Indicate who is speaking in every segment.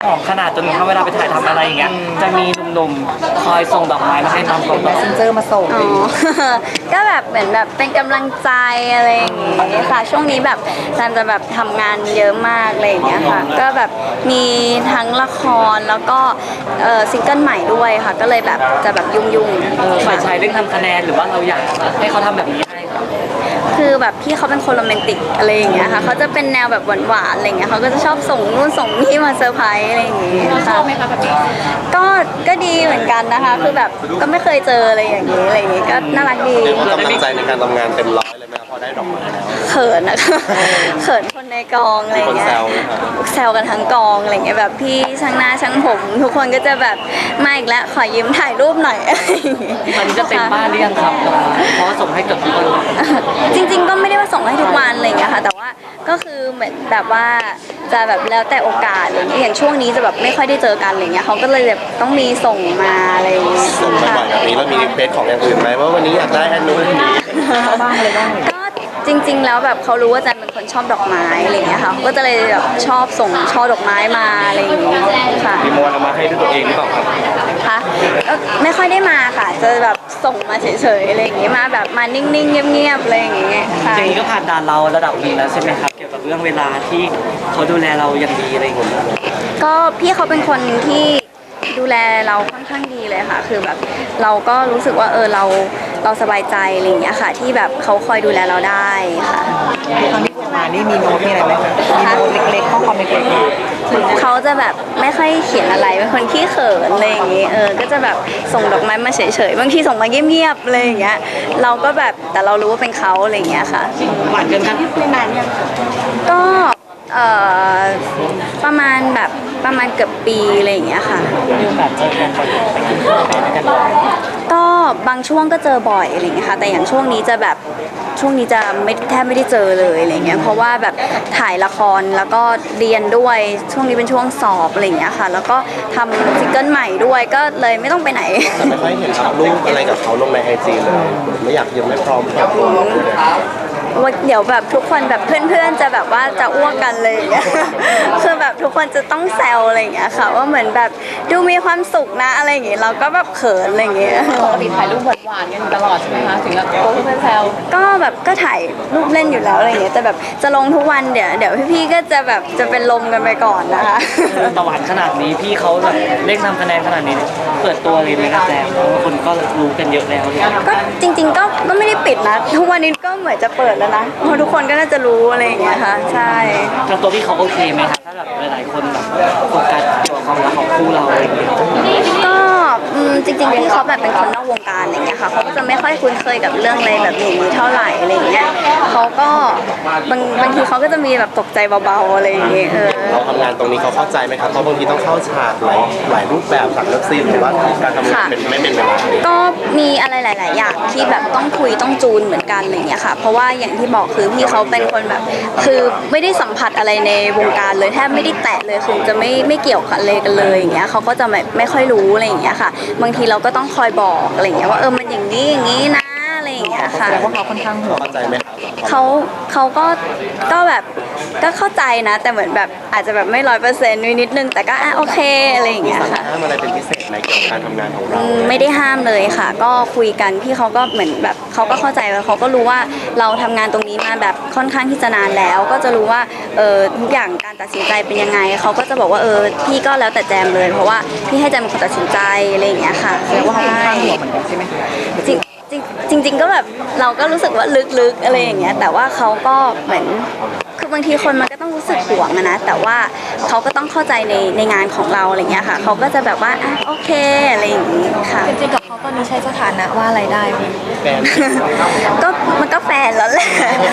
Speaker 1: แมสเซนเจอร์มาส่ง
Speaker 2: อ๋อ ก็แบบเหมือนแบบเป็นกำลังใจอะไรอย่างงี้ค่ะช่วงนี้แบบซันจะแบบทำงานเยอะมากอะไรอย่างเงี้ยค่ะก็แบบมีทั้งละครแล้วก็ซิงเกิลใหม่ด้วยค่ะก็เลยแบบจะแบบยุ่งๆ
Speaker 1: ฝ่ายชายเร่งทำคะแนนหรือว่าเราอยากให้เขาทำแบบนี้ให้ครับ
Speaker 2: คือแบบพี่เขาเป็นคนโรแมนติกอะไรอย่างเงี้ยค่ะเขาจะเป็นแนวแบบหวานๆอะไรเงี้ยเขาก็จะชอบส่งนู่นส่งนี่มาเซอร์ไพรส์อะไรอย่างเงี้ยชอบไหมคะแบบนี้ก็ดีเหมือนกันนะคะคือแบบก็ไม่เคยเจออะไรอย่างงี้อะไรอย่างงี้ก็น่ารักดี
Speaker 3: เรียกว่ากำลังใจในการทำงานเต็มร้อยเลยไหมครับพอได้ดอกไม้แล้ว
Speaker 2: เขินนะคะ เขินคนในกองอะไร
Speaker 3: มีคน
Speaker 2: เงี้ย
Speaker 3: แซวไหมครับ
Speaker 2: แซวกันทั้งกองอะไรเงี้ยแบบพี่ช่างหน้าช่างผม ทุกคนก็จะแบบมาอีกแล้วขอยืมถ่ายรูปหน่อยอะไรอย่างงี้
Speaker 1: ตอนนี้จะเต็มบ้านหรือยังครับดอกไม้เพราะว่าส่งให้เกือบทุกคนเลย
Speaker 2: จริงๆก็ไม่ได้ว่าส่งให้ทุกวันอะไรอย่างเงี้ยค่ะแต่ว่าก็คือเหมือนแบบว่าจะแบบแล้วแต่โอกาสอะไรอย่างเงี้ยอย่างช่วงนี้จะแบบไม่ค่อยได้เจอกันอะไรเงี้ยเขาก็เลยแบบต้องมีส่งมาอะไรอย่างเงี้ย
Speaker 3: ส่งบ่อยๆแบบนี้แล้วมีรีเควสของอย่างอื่นไหมว่าวันนี้อยากได้อันนู้นอันนี้
Speaker 1: บ้างเลยบ้าง
Speaker 2: ก็จริงๆแล้วแบบเขารู้ว่าจันเป็นคนชอบดอกไม้อะไรอย่างเงี้ยค่ะเขาก็จะเลยแบบชอบส่งช่อดอกไม้มาอะไรอย่างเงี้ยค่ะ
Speaker 3: มีโมนเอามาให้ด้วยตัวเองหรือเปล่าครับ
Speaker 2: ค่ะก็ไม่ค่อยได้มาค่ะจะแบบส่งมาเฉยๆอะไรอย่างเงี้ยมาแบบมานิ่งๆเงียบๆอะไรอย่างเงี้ยค่ะ
Speaker 1: อย่างนี้ก็ผ่านด่านเราระดับหนึงแล้วใช่ไหมครับเกี่ยวกับเรื่องเวลาที่เขาดูแลเราอย่างดีอะไรอย่างเงี้ย
Speaker 2: ก็พี่เขาเป็นคนที่ดูแลเราค่อนข้างดีเลยค่ะ คือแบบเราก็รู้สึกว่าเราสบายใจอะไรอย่างเงี้ยค่ะ ที่แบบเขาคอยดูแลเราได้ค่ะ
Speaker 1: ตอนที่ส่งมานี่มีโน้ตมีอะไรไหมครับมีโน้ตเล็กๆข้อความเล็กๆ
Speaker 2: เขาจะแบบไม่ค่อยเขียนอะไรเป็นคนขี้เขินอะไรอย่างงี้ก็จะแบบส่งดอกไม้มาเฉยๆบางทีส่งมาเงียบๆอะไรอย่างเงี้ยเราก็แบบแต่เรารู้ว่าเป็นเขาอะไรอย่างเงี้ยค่ะ
Speaker 1: หวานเกินกันไม่นานยัง
Speaker 2: ก็เอ่อประมาณเกือบปีอะไรอย่างเงี้ยค่ะ
Speaker 1: มีโอกาสเจอกันบ่อยไปกินข้าวไปด้วยกันบ่อย
Speaker 2: ก็บางช่วงก็เจอบ่อยอะไรอย่างเงี้ยค่ะแต่อย่างช่วงนี้จะแบบช่วงนี้จะไม่แทบไม่ได้เจอเลยอะไรเงี้ยเพราะว่าแบบถ่ายละครแล้วก็เรียนด้วยช่วงนี้เป็นช่วงสอบอะไรอย่างเงี้ยค่ะแล้วก็ทำซิงเกิลใหม่ด้วยก็เลยไม่ต้องไปไหน
Speaker 3: แต่ไม่ค่อยเห็นอัพรูปอะไรกับเขาลงในไอจีเลยไม่อยากยังไม่พร้อมครับ
Speaker 2: ว่าเดี๋ยวแบบทุกคนแบบเพื่อนๆจะแบบว่าจะอ้วกกันเลยอย่างเงี้ย คือแบบทุกคนจะต้องแซวอะไรอย่างเงี้ยค่ะว่าเหมือนแบบดูมีความสุขนะอะไรอย่างเงี้ยเราก็แบบเขินอะไรอย่างเงี้ย
Speaker 4: ปกติถ่ายรูปหวานๆกันอยู่ตลอดใช่ไหมคะถึงกับโพสต์เพื่อนแซว
Speaker 2: ก็แบบก็ถ่ายรูปเล่นอยู่แล้วอะไรอย่างเงี้ยแต่แบบจะลงทุกวันเดี๋ยวพี่ๆก็จะแบบจะเป็นลมกันไปก่อนนะคะ
Speaker 1: ตะวันขนาดนี้พี่เขาแบบเร่งทำคะแนนขนาดนี้เปิดตัวเลยไหมครับแจมเพราะว่าคนก็รู้กันเยอะแล้วเนี่ย
Speaker 2: ก็จริงๆก็ไม่ได้ปิดนะทุกวันนี้ก็เหมือนจะเปิดแล้วนะเพราะทุกคนก็น่าจะรู้อะไรอย่างเงี้ยค่ะใช่
Speaker 1: ทางตัวพี่เขาโอเคไหมครับถ้าแบบหลายๆคนแบบโฟกัสเกี่ยวกับความรักของคู่เราอะไรอย่างเงี้ย
Speaker 2: ก็จริงๆพี่เขาแบบเป็นคนนอกวงการอะไรเงี้ยค่ะเขาก็จะไม่ค่อยคุ้นเคยกับเรื่องอะไรแบบอย่างนี้เท่าไหร่อะไรอย่างเงี้ยเขาก็บางทีเขาก็จะมีแบบตกใจเบาๆอะไรอย่างเงี้ย
Speaker 3: เราทำงานตรงนี้เขาเข้าใจไหมครับเพราะบางทีต้องเข้าฉากหลายรูปแบบฉากเลิฟซีนหรือว่าการทำงานเป็นไม่เป็นเวลา
Speaker 2: ก็มีอะไรหลาย ๆ อย่างที่แบบต้องคุยต้องจูนเหมือนกันอะไรอย่างเงี้ยค่ะ เพราะว่าอย่างที่บอกคือพี่เขาเป็นคนแบบคือไม่ได้สัมผัสอะไรในวงการเลยแทบไม่ได้แตะเลยคือจะไม่เกี่ยวกับอะไรกันเลยอย่างเงี้ยเขาก็จะไม่ค่อยรู้อะไรอย่างเงี้ยค่ะ บางทีเราก็ต้องคอยบอกอะไรอย่างเงี้ยว่ามันอย่างนี้นะอะไรอย่างเงี้ยค่ะ
Speaker 1: แสดงว่าเขาค่อนข้างห่วง
Speaker 3: เข้าใจไหมครับ
Speaker 2: เขาก็แบบก็เข้าใจนะ แต่เหมือนแบบอาจจะแบบไม่100%นิดนึงแต่ก็โอเคอะไรอย่าง
Speaker 3: มี
Speaker 2: เงี้ย
Speaker 3: สั่ง
Speaker 2: ค่ะ
Speaker 3: ห้ามอะไรเป็นพิเศษไหมเกี่ยวกับการทำงานของเรา
Speaker 2: ไม่ได้ห้ามเลยค่ะ ก็คุยกันพี่เขาก็เหมือนแบบเขาก็เข้าใจแล้วเขาก็รู้ว่าเราทำงานตรงนี้มาแบบค่อนข้างที่จะนานแล้ว ก็จะรู้ว่าทุกอย่างการตัดสินใจเป็นยังไงเขาก็จะบอกว่าพี่ก็แล้วแต่แจมเลย เพราะว่าพี่ให้แจมเป็นคนตัดสินใจอะไรอย่างเงี้ยค่ะ
Speaker 1: แสดงว่าเขาค่อนข้างห่วงเหมือนกันใช่ไหม
Speaker 2: จริงๆก็แบบเราก็รู้สึกว่าลึกๆอะไรอย่างเงี้ยแต่ว่าเขาก็เหมือนคือบางทีคนมันก็ต้องรู้สึกห่วงนะแต่ว่าเขาก็ต้องเข้าใจในงานของเราอะไรเงี้ยค่ะเขาก็จะแบบว่าโอเคอะไรอย่างงี้ค่ะ
Speaker 4: จริงๆกับเขาตอนนี้ใช้สถานะว่าอะไรได้ไหม
Speaker 3: แฟน
Speaker 2: ก็มันก็แฟนแล้วแหละ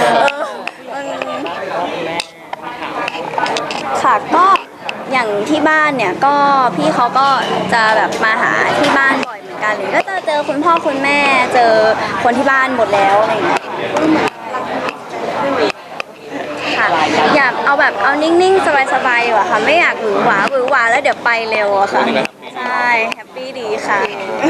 Speaker 2: ค่ะก็อย่างที่บ้านเนี่ยก็พี่เขาก็จะแบบมาหาที่บ้านบ่อยเหมือนกันเลยก็จะเจอคุณพ่อคุณแม่เจอคนที่บ้านหมดแล้วอะไรอย่างเงี้ยค่ะอยากเอาแบบเอานิ่งๆสบายๆอยู่อะค่ะไม่อยากหวือหวาแล้วเดี๋ยวไปเร็วอะค่ะใช่แฮปปี้ดีค่ะ